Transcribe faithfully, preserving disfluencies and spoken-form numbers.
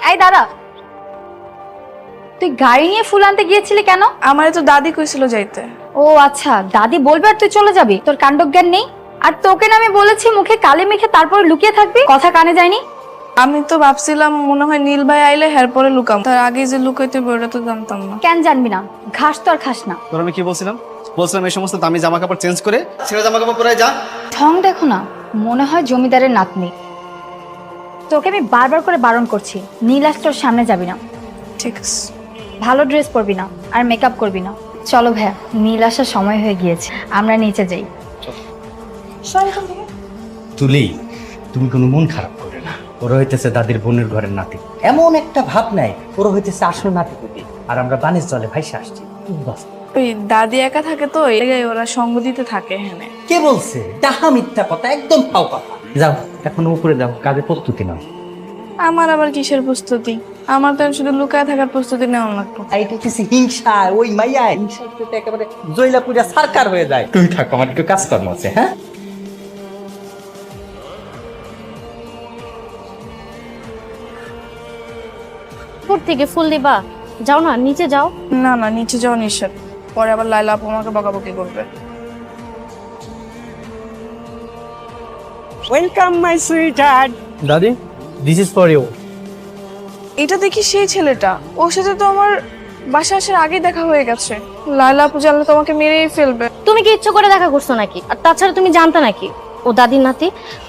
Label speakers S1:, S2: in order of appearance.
S1: এই দাদা, তুই গাড়ি নিয়ে ফুল আনতে গিয়েছিলি কেন?
S2: আমারে তো দাদি কইছিল যাইতে।
S1: ও আচ্ছা, দাদি বলবে আর তুই চলে যাবি? তোর কাণ্ডজ্ঞান নেই? আর তোকে না আমি বলেছি মুখে কালি মেখে তারপরে লুকিয়ে থাকবি, কথা কানে যায়নি?
S2: আমি তো ভাবছিলাম মনে হয় নীল ভাই আইলে হের পরে লুকাম, তার আগে যে লুকাইতে ওটা তো জানতাম না।
S1: কেন জানবি না? ঘাস তো আর খাস না।
S3: তোর আমি কি বলছিলাম বলছিলাম এই সমস্ত দামি জামা কাপড় চেঞ্জ করে ছেঁড়া জামা কাপড় পরে যা।
S1: ঢং দেখো না, মনে হয় জমিদারের নাতনি। তোকে আমি বারবার করে বারণ করছি, নীল আজ তোর সামনে যাবি না।
S2: ঠিক আছে।
S1: ভালো ড্রেস পরবি না আর মেকআপ করবি না। চলো ভাইয়া, নীল আসার সময় হয়ে গিয়েছে, আমরা নিচে যাই।
S4: তুলি, তুমি কোনো মন খারাপ করে না। ওরা হইতেছে দাদির বোনের ঘরের নাতি, এমন একটা ভাব নাই ওরা হইতেছে আসল নাতি কবি, আর আমরা বানিস জলে ভাইসা আসছি। বাস।
S2: ওই দাদি একা থাকে তো, এই জায়গায় ওরা সঙ্গ দিতে থাকে। হ্যাঁ,
S4: কে বলছে? ডাহা মিথ্যা কথা, একদম ফাও কথা। যাও এখন উপরে যাও, কাজে প্রস্তুতি নাও।
S2: আমার আবার কিসের প্রস্তুতি? আমার তো শুধু লুকায় থাকার প্রস্তুতি নেওয়া লাগতো।
S4: এইটা কিছু হিংসা, ওই মাইয়া হিংসা একেবারে জয়লা পুজা সরকার হয়ে যায়। তুমি থাকো, আমার একটু কাজকর্ম আছে। হ্যাঁ,
S5: উপর থেকে ফুল দিবা? যাও না, নিচে যাও।
S2: না না, নিচে যাওয়া নিষেধ, পরে আবার লাইলা আপু আমাকে বকাবকি করবে।
S6: Welcome my sweetheart.
S4: দাদি, দিস ইজ ফর ইউ।
S2: এটা দেখি সেই ছেলেটা, ওর সাথে তো আমার বাসা আসার আগেই দেখা হয়ে গেছে। লাইলা আপু জানলে তোমাকে মেরেই ফেলবে।
S5: তুমি কি ইচ্ছে করে দেখা করছো নাকি? আর তাছাড়া তুমি জানতে নাকি ও দাদির নাতি?